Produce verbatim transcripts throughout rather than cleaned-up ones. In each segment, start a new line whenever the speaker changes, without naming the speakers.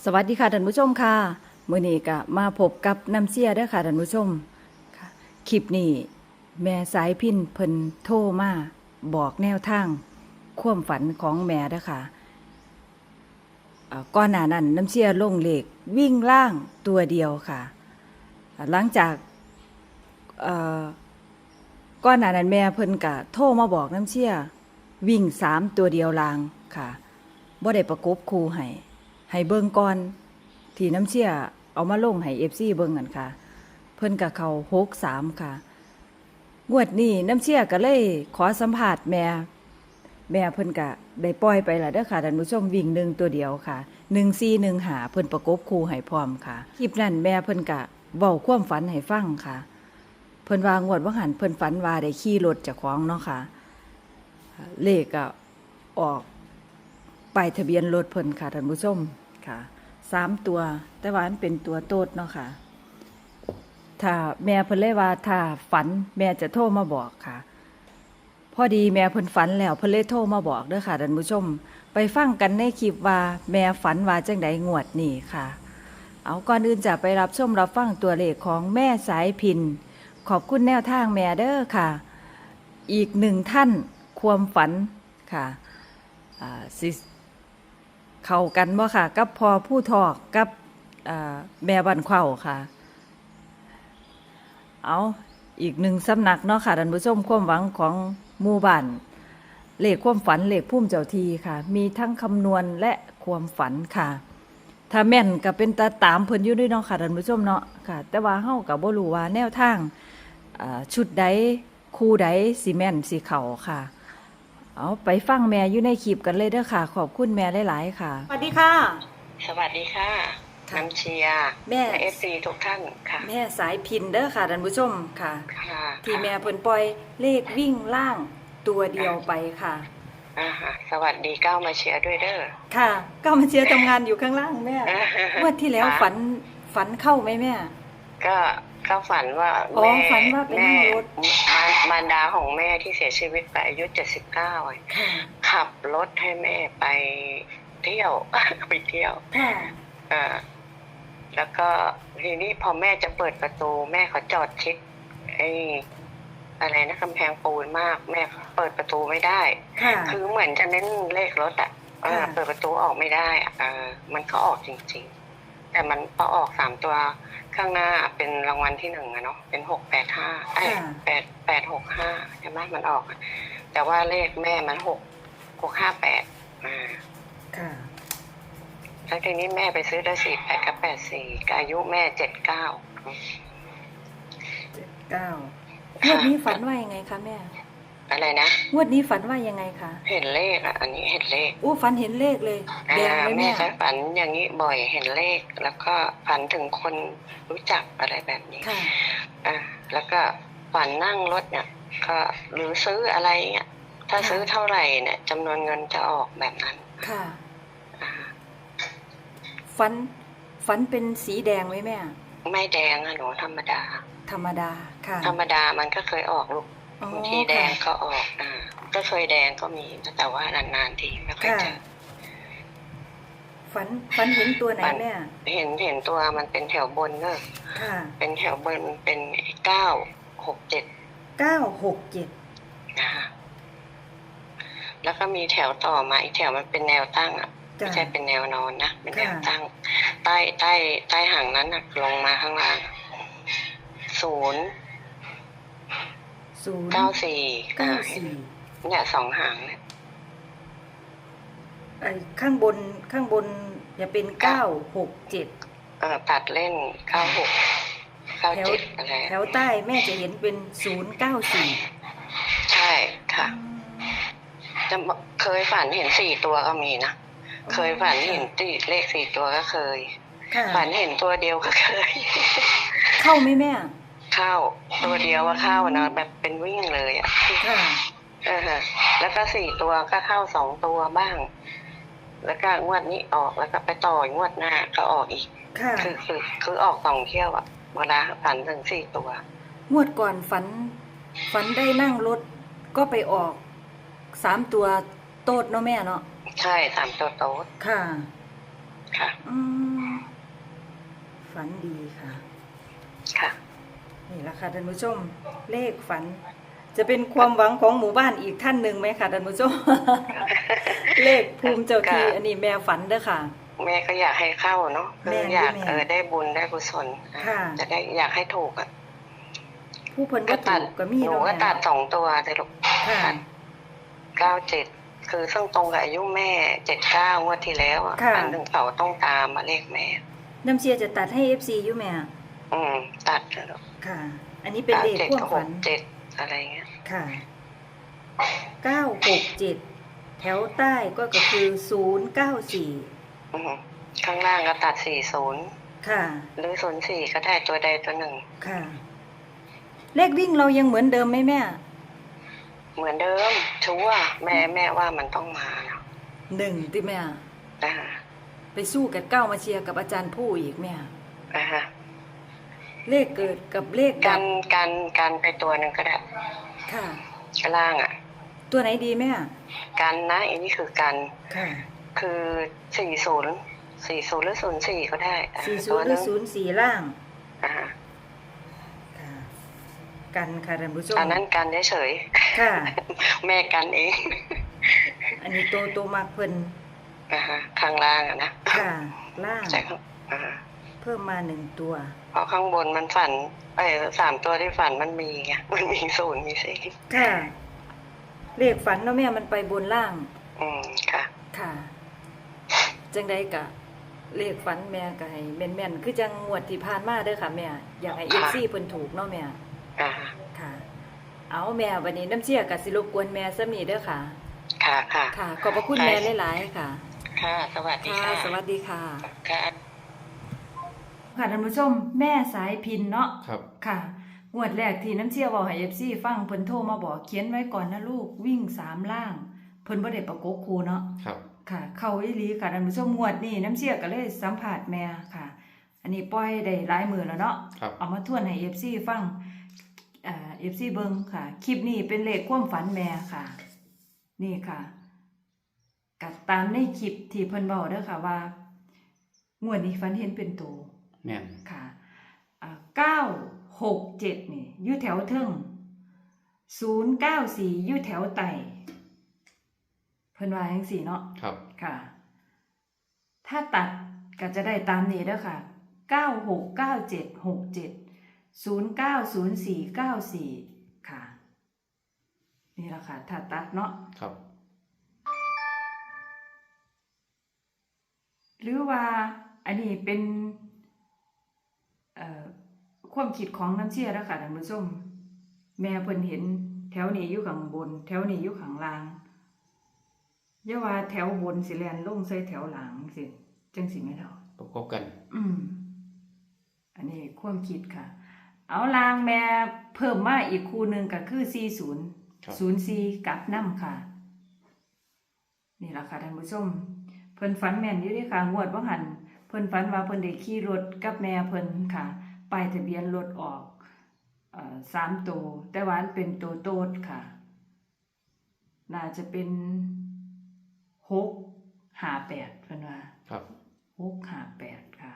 สวัสดีค่ะท่านผู้ชมค่ะมื้อนี้ก็มาพบกับน้ำเสียเด้อค่ะท่านผู้ชมค่ะคลิปนี้แม่สายพินเพิ่นโทรมาบอกแนวทางความฝันของแม่เด้อค่ะเอ่อก่อนหน้านั้นน้ำเสียลงเลขวิ่งล่างตัวเดียวค่ะหลังจากเอ่อก่อนหน้านั้นแม่เพิ่นก็โทรมาบอกน้ำเสียวิ่งสามตัวเดียวลางค่ะบ่ได้ประกบคู่ให้ให้เบิ่งก่อนที่น้ำเชี่ยเอามาลงให้ เอฟ ซี เบิ่งกันค่ะเพิ่นกับเขาหกสามค่ะงวดนี้น้ำเชี่ยก็เลยขอสัมภาษณ์แม่แม่เพิ่นก็ได้ปล่อยไปแล้วเด้อค่ะท่านผู้ชมวิ่งหนึ่งตัวเดียวค่ะหนึ่งสี่หนึ่งหาเพิ่นประกบคู่ให้พร้อมค่ะคลิปนั้นแม่เพิ่นก็เว้าความฝันให้ฟังค่ะเพิ่นว่างวดว่าหันเพิ่นฝันว่าได้ขี่รถเจ้าของเนาะค่ะเลขก็ออกป้ายทะเบียนรถเพิ่นค่ะท่านผู้ชมค่ะสามตัวแต่ว่ามันเป็นตัวโตดเนาะค่ะถ้าแม่เพิ่นเลยว่าถ้าฝันแม่จะโทรมาบอกค่ะพอดีแม่เพิ่นฝันแล้วเพิ่นเลยโทรมาบอกเด้อค่ะท่านผู้ชมไปฟังกันในคลิปว่าแม่ฝันว่าจังใดงวดนี้ค่ะเอาก่อนอื่นจะไปรับชมรับฟังตัวเลขของแม่สายพินขอบคุณแนวทางแม่เด้อค่ะอีกหนึ่งท่านความฝันค่ะอ่าสิเข้ากันบ่ค่ะกับพอผู้ทอกกับแม่บันเข้าค่ะเอาอีกหนึ่งสำนักเนาะค่ะท่านผู้ชมความหวังของหมู่บ้านเลขความฝันเลขพุ่มเจ้าทีค่ะมีทั้งคำนวณและความฝันค่ะถ้าแม่นก็เป็นตาตามเพิ่นอยู่ด้วยเนาะค่ะท่านผู้ชมเนาะค่ะแต่ว่าเฮาก็บ่รู้ว่าแนวทางชุดใดคู่ใดสิแม่นสิเข้าค่ะเอาไปฟังแม่อยู่ในคลิปกันเลยเด้อค่ะขอบคุณแม่หลายๆค่ะสวัสดีค่ะ
สวัสดีค่ะน้ำเชียร์แม่เอฟซีทุกท่านค่ะ
แม่สายพินเด้อค่ะท่านผู้ชมค่ะที่แม่เพิ่นปล่อยเลขวิ่งล่างตัวเดียวไปค่ะ
อ่าฮะสวัสดีก้าวมาเชียร์ด้วยเด้อ
ค่ะก้าวมาเชียร์ทำงานอยู่ข้างล่างแม่เมื่อที่แล้วฝันฝันเข้าไหมแม่
ก็ก็ฝันว่า
แม่ฝันว่าเป็นนั่งรถ
มารดาของแม่ที่เสียชีวิตไปอายุเจ็ดสิบเก้าขับรถให้แม่ไปเที่ยวไปเที่ยวอ่าแล้วก็ทีนี้พอแม่จะเปิดประตูแม่เขาจอดชิดไอ้อะไรนะกำแพงปูนมากแม่เปิดประตูไม่ได้คือเหมือนจะเน้นเลขรถอ่ะเปิดประตูออกไม่ได้อ่ามันก็ออกจริงๆแต่มันพอออกสามตัวข้างหน้าเป็นรางวัลที่หนึ่งอะเนาะเป็นหกแปดห้าไอ้แปดแปดหกห้าใช่ไหมมันออกแต่ว่าเลขแม่มันหกหกห้าแปดอ่าแล้วทีนี้แม่ไปซื้อได้สี่แปดกับแปดสี่อายุแม่เจ็ดเก้า
เจ็ดเก้างวดนี้ฝันว่ายังไงคะแม่
อะไรนะ
งวดนี้ฝันว่ายังไงคะ
เห็นเลขอ่ะอันนี้เห็นเลข
อู้ฝันเห็นเลขเลย
แดงเลยแม่ก็ฝันอย่างนี้บ่อยเห็นเลขแล้วก็ฝันถึงคนรู้จักอะไรแบบนี้อ่าแล้วก็ฝันนั่งรถเนี่ยก็หรือซื้ออะไรเนี่ยถ้าซื้อเท่าไหร่เนี่ยจำนวนเงินจะออกแบบนั้น
ค่ะฝันฝันเป็นสีแดงไหมแม่
ไม่แดงอะหนูธรรมดา
ธรรมดาค่ะ
ธรรมดามันก็เคยออกลูกบางทีแดงก็ออกอ่าก็เคยแดงก็มีแต่ว่านานๆทีไม่ค่อยเจอ
ฝันฝันเห็นตัวไหนแม่
เห็นเห็นตัวมันเป็นแถวบนเนอะเป็นแถวบนเป็นเก้าหกเจ็ด
เก้าหกเจ็ด
นะคะแล้วก็มีแถวต่อมาอีกแถวมันเป็นแนวตั้งอ่ะไม่ใช่เป็นแนวนอนนะเป็นแนวตั้งใต้ใต้ใต้หางนั้นอ่ะลงมาข้างล่างศูนย์
ศูนย์
เก้าสี่
เก้าสี่
เนี่ยสองหางเนี่ย
ไอ้ข้างบนข้างบนจะเป็นเก้าหกเจ็ด
เออตัดเล่นเก้าหกเก้าเจ็ดอะไร
แถวใต้แม่จะเห็นเป็นศูนย์เก้าสี่
ใช่ค่ะจะเคยฝันเห็นสี่ตัวก็มีนะเคยฝันเห็นตีเลขสี่ตัวก็เคยฝันเห็นตัวเดียวก็เคย
เข้าไหมแม่
เข้าตัวเดียวว่าเข้านะแบบเป็นวิ่งเลยอ่ะเออฮะแล้วก็สี่ตัวก็เข้าสองตัวบ้างแล้วก็งวดนี้ออกแล้วก็ไปต่องวดหน้าก็ออกอีกคือคือคือออกสองเที่ยวอ่ะเวลาฝันถึงสี่ตัว
งวดก่อนฝันฝันได้นั่งรถก็ไปออกสามตัวโต๊ดเนาะแม่เนาะ
ใช่สามตัวโต๊ด
ค่ะ
ค่ะ
อืมฝันดีค่ะ
ค่ะ
นี่แหละค่ะท่านผู้ชมเลขฝัน จะเป็นความหวังของหมู่บ้านอีกท่านหนึ่งไหมคะท่านผู้ชม เลขภูมิเจ้าที่อันนี้แม่ฝันเด้อค่ะ
แม่ก็อยากให้เข้าเนาะ
แม่
คืออยาก
แม่
เออได้บุญได้กุศล
ค่ะ
จะได้อยากให้ถูกอ่ะ
ผู้เพิ่น
ก็
ก็
ตั
ถู
ด
กก็มี
หนู
เนาะ
ก็
แม่
ตัดสองตัวเลยลูก
ค่ะ
เก้าเจ็ดคือซึ่งตรงกับอายุแม่เจ็ดเก้างวดที่แล้วอ่ะ
ค่ะ
อันหนึ่งเขาต้องตามมาเลขแม่
น้ำเชียร์จะตัดให้ เอฟ ซี อยู่แม่
อืมตัดเลยลูก
ค่ะ อันนี้เป็นเลข
เจ็ด
ความ
กับห
ฝั
ก
น
เจ็ดอะไรเงี้ย
ค่ะเก้าหกเจ็ดแถวใต้ก็ก็คือศูนย์เก้าสี่
อืมข้างล่างก็ตัดสี่ศูนย์
ค่ะ
หรือศูนย์สี่ก็ได้ตัวใดตัวหนึ่ง
ค่ะ เลขวิ่งเรายังเหมือนเดิมไหมแม่
เหมือนเดิมชัวร์แม่แม่ว่ามันต้องมาเนาะ
หนึ่งที่แม่
อ่า
ไปสู้กับเก้ามาเชียร์กับอาจารย์ผู้อีกแม่
อ่าฮะ
เลขเกิดกับเลขดั
กั
บ
นกันกันไปตัวหนึ่งก็ได้
ค่ะ
ข้างล่างอ่ะ
ตัวไหนดีแม่
กันนะอันนี้คือกัน
ค่ะ
คือสี่ศูนย์สี่ศูนย์หรือศูนย์สี่ก็ได้อ่ะ
สี่ศู
ตัวน
ย์ห
ห
รื
นึ่
อง ศูนย์สี่ล่าง
อ่าฮะ
ค่ะ กันค่ะท่านผู้ชม
อันนั้นกันเฉย
ค่ะ
ๆ แม่กันเอง
อันนี้ตัวตัวมากเพิ่น
อ่าฮะข้างล่างอะนะ
ค่ะ ล่าง
ใช่ครับอ่าฮะ
เพิ่มมาหนึ่งตัว
เพราะข้างบนมันฝันไอ้สามตัวที่ฝันมันมีไงมันมีศูนย์มีสี่
ค่ะ เลขฝันเนาะแม่มันไปบนล่าง
อืมค่ะ
ค่ะ จังใดกะ เลขฝันแม่ก็ให้แม่นๆคือจังงวดที่ผ่านมาเด้อค่ะแม่ อยากให้ เอฟ ซี เพิ่นถูกเนาะแม่
อ่า
ค่ะ เอาแม่วันนี้น้ำเชี่ยก็สิรบกวนแม่ซะนี่เด้อค่ะ
ค่ะค่ะ
ค่ะ ขอบพระคุณแม่หลายๆค่ะ
ค่ะ สวัสดี
ค่ะ
ค่ะ
สวัสดีค่ะ
ค่ะ
ค่ะท่านผู้ชมแม่สายพินเนาะ
ครับ
ค่ะงวดแรกที่น้ำเชี่ยวบอกให้ เอฟ ซี ฟังเพิ่นโทรมาบอกเขียนไว้ก่อนนะลูกวิ่งสามล่าง เพิ่นบ่ได้ประกบคู่เนาะ
ครับ
ค่ะ เข้าอีหลีค่ะท่านผู้ชมงวดนี้น้ำเชี่ยก็เลยสัมภาษณ์แม่ค่ะ อันนี้ปล่อยได้หลายมื้อแล้วเนาะ
ครับ
เอามาทวนให้ เอฟ ซี ฟังเอ่อ เอฟ ซี เบิ่งค่ะ คลิปนี้เป็นเลขความฝันแม่ค่ะ นี่ค่ะกัดตามในคลิปที่เพิ่นเว้าเด้อค่ะว่างวดนี้ฝันเห็นเป็นโต
แม่น
ค่ะอ่าเก้าหกเจ็ดนี่อยู่แถวเทิงศูนย์เก้าสี่อยู่แถวไต่เพิ่นว่าจังซี่เนาะ
ครับ
ค่ะ ถ้าตัดก็จะได้ตามนี้เด้อค่ะเก้าหกเก้าเจ็ดหกเจ็ดศูนย์เก้าศูนย์สี่เก้าสี่ค่ะ นี่แหละค่ะ ถ้าตัดเนาะ
ครับ
หรือว่าอันนี้เป็นเอ่อความคิดของน้ำเชี่ยแล้วค่ะท่านผู้ชมแม่เพิ่นเห็นแถวนี้อยู่ข้างบน แถวนี้อยู่ข้างล่างอย่าว่าแถวบนสิแล่นลงใส่แถวหลังสิจังสิแม่นเนาะ
ประกอบกัน
อืม อันนี้ความคิดค่ะ เอาลางแม่เพิ่มมาอีกคู่หนึ่งก็คือสี่ศูนย์
ครับ
ศูนย์สี่กับน้ำค่ะ นี่แหละค่ะท่านผู้ชม เพิ่นฝันแม่นอยู่เด้วยค่ะงวดว่าหันเพิ่นฝันว่าเพิ่นได้ขี่รถกับแม่เพิ่นค่ะป้ายทะเบียนรถออกเอ่อสามตัวแต่ว่าอันเป็นตัวโตดค่ะ น่าจะเป็นหกห้าแปดเพิ่นว่า
ครับ
หกห้าแปดค่ะ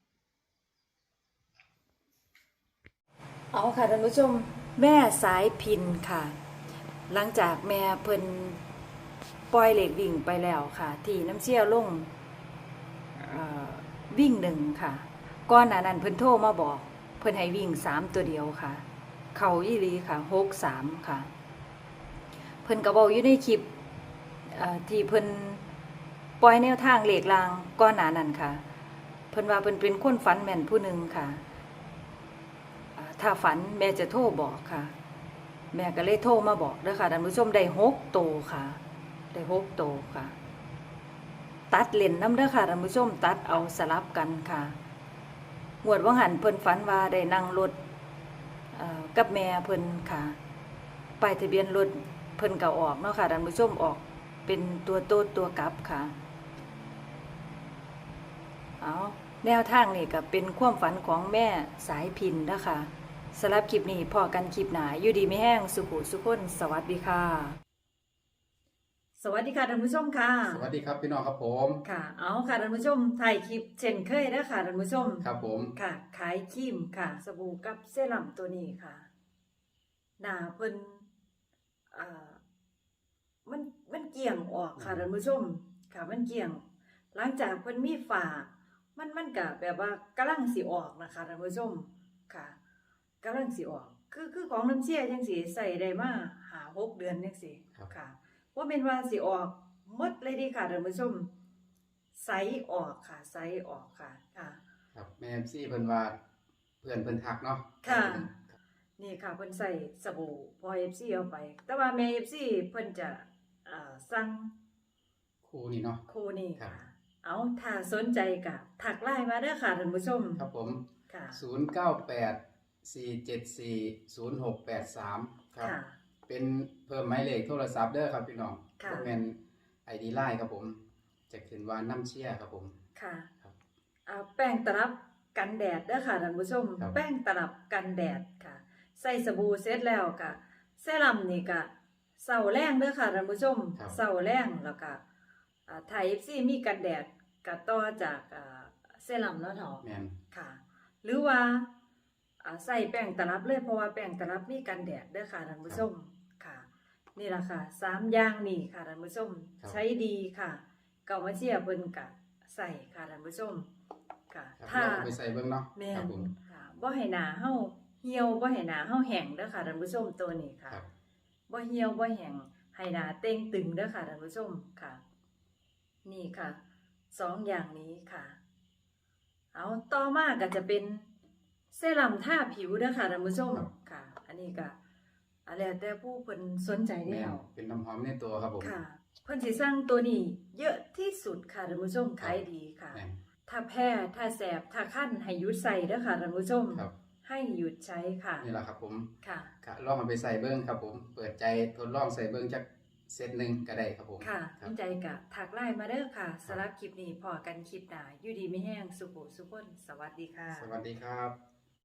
เอาค่ะท่านผู้ชมแม่สายพินค่ะ หลังจากแม่เพิ่นปล่อยเหล็กวิ่งไปแล้วค่ะ ที่น้ำเชี่ยวลงเอ่อวิ่งหนึ่งค่ะก่อนหน้านั้นเพิ่นโทรมาบอก เพิ่นให้วิ่งสามตัวเดียวค่ะ เขาอีหลีค่ะหกสามค่ะ เพิ่นก็บอกอยู่ในคลิปเอ่อที่เพิ่นปล่อยแนวทางเหล็กลางก่อนหน้านั้นค่ะ เพิ่นว่าเพิ่นเป็นคนฝันแม่นผู้หนึ่งค่ะอ่าถ้าฝันแม่จะโทรบอกค่ะ แม่ก็เลยโทรมาบอกเด้อค่ะท่านผู้ชมได้หกโตวค่ะได้หกโตวค่ะ ตัดเล่นน้ำเด้อค่ะท่านผู้ชมตัดเอาสลับกันค่ะงวดว่าหันเพิ่นฝันว่าได้นั่งรถเอ่อกับแม่เพิ่นค่ะป้ายทะเบียนรถเพิ่นก็ออกเนาะค่ะท่านผู้ชมออกเป็นตัวโตดตัวกลับค่ะเอาแนวทางนี่ก็เป็นความฝันของแม่สายพินนะคะสำหรับคลิปนี้พอกันคลิปหนาอยู่ดีไม่แห้งสุขุสุขคนสวัสดีค่ะสวัสดีค่ะท่านผู้ชมค่ะ
สวัสดีครับพี่น้องครับผม
ค่ะ เอาค่ะท่านผู้ชมถ่ายคลิปเช่นเคยนะค่ะท่านผู้ชม
ครับผม
ค่ะ ขายครีมค่ะ สบู่กับเซรั่มตัวนี้ค่ะ หน้าเพิ่นอ่ามันมันเกี่ยงออกค่ะท่านผู้ชม ค่ะ มันเกี่ยง หลังจากเพิ่นมีฝามันมันก็แบบว่ากำลังสิออกนะคะท่านผู้ชม ค่ะกำลังสิออก คือคือของน้ำเชี่ยจังสิใส่ได้มาห้า หกเดือนจังสิ
ครับ
ค่ะว่าเป็นว่าสิออกหมดเลยเดีค่ะท่านผู้ชมใสออกค่ะใสออกค่ะค่ะ
ครับแม่เอฟซีเพิ่นว่าเพื่อนเพิ่นทักเนาะ
ค่ะ
รับ
นี่ค่ะเพิ่นใส่สบู่พอ เอฟ ซี เอาไป แต่ว่าแม่ เอฟ ซี เพิ่นจะอ่าสั่ง
คู่นี้เนาะ
คู่นี้
ครั
ค่ะ
บ
เอาถ้าสนใจก็ทักไลน์มาเด้อค่ะท่านผู้ชม
ครับผม
ค่ะ
ศูนย์ เก้า แปด สี่ เจ็ด สี่ ศูนย์ หก แปด สาม ครับ
ค่ะ
เป็นเพิ่มหมายเลขโทรศัพท์เด้อครับพี่น้อง
ค่ะ
บ่แม่น ไอ ดี ไลน์ครับผม จะขึ้นว่าน้ำเชี่ยครับผม
ค่ะ
ครับ
อ่าแป้งตลับกันแดดเด้อค่ะท่านผู้ชม
ครับ
แป้งตลับกันแดดค่ะ ใส่สบู่เสร็จแล้วก็เซรั่มนี่ก็เศร้าแรงเด้อค่ะท่านผู้ชม
ครับ
เศร้าแรงแล้วก็อ่าไทย เอฟ ซี มีกันแดดก็ต่อจากอ่าเซรั่มเนาะเถาะ
แม่น
ค่ะ หรือว่าอ่าใส่แป้งตลับเลยเพราะว่าแป้งตลับมีกันแดดเด้อค่ะท่านผู้ชมค่ะ นี่ล่ะค่ะสามอย่างนี่ค่ะท่านผู้ชม
ครับ
ใช้ดีค่ะเก่ามาเชียร์เพิ่นกะใส่ค่ะท่านผู้ชมค่ะ
ครับ
ถ้า
ลองเอาไปใส่เบิ่งเนาะ
แม่
ครับ
น
ผม
ค่ะบ่ให้หน้าเฮาเหี่ยวบ่ให้หน้าเฮาแห้งเด้อค่ะท่านผู้ชมตัวนี้ค่ะ
ครับ
บ่เหี่ยวบ่แห้งให้หน้าเต่งตึงเด้อค่ะท่านผู้ชมค่ะ นี่ค่ะสองอย่างนี้ค่ะ เอาต่อมาก็จะเป็นเซรั่มทาผิวเด้อค่ะท่านผู้ชม
ครับ
ค่ะ อันนี้ก็อะแล้วแต่ผู้เพิ่นสนใจ
แม่
แล้
น
ว
เป็นน้ำหอมในตัวครับผม
ค่ะ เพิ่นสิสั่งตัวนี้ เยอะที่สุดค่ะท่านผู้ชมขายดีค่ะ
แม่น
ถ้าแพ้ ถ้าแสบ ถ้าคั้นให้หยุดใส่เด้อค่ะท่านผู้ชม
ครับ
ให้หยุดใช้ค่ะ
นี่แหละครับผม
ค่ะ
ค่ะลองเอาไปใส่เบิ้งครับผม เปิดใจทดลองใส่เบิ้งจักเซตหนึ่งก็ได้ครับผม
ค่ะ
ครับ
สนใจกะถักไลน์มาเด้อค่ะสำหรับคลิปนี้พอกันคลิปหน้าอยู่ดีไม่แห้งสุขสุขคนสวัสดีค่ะ
สวัสดีครับ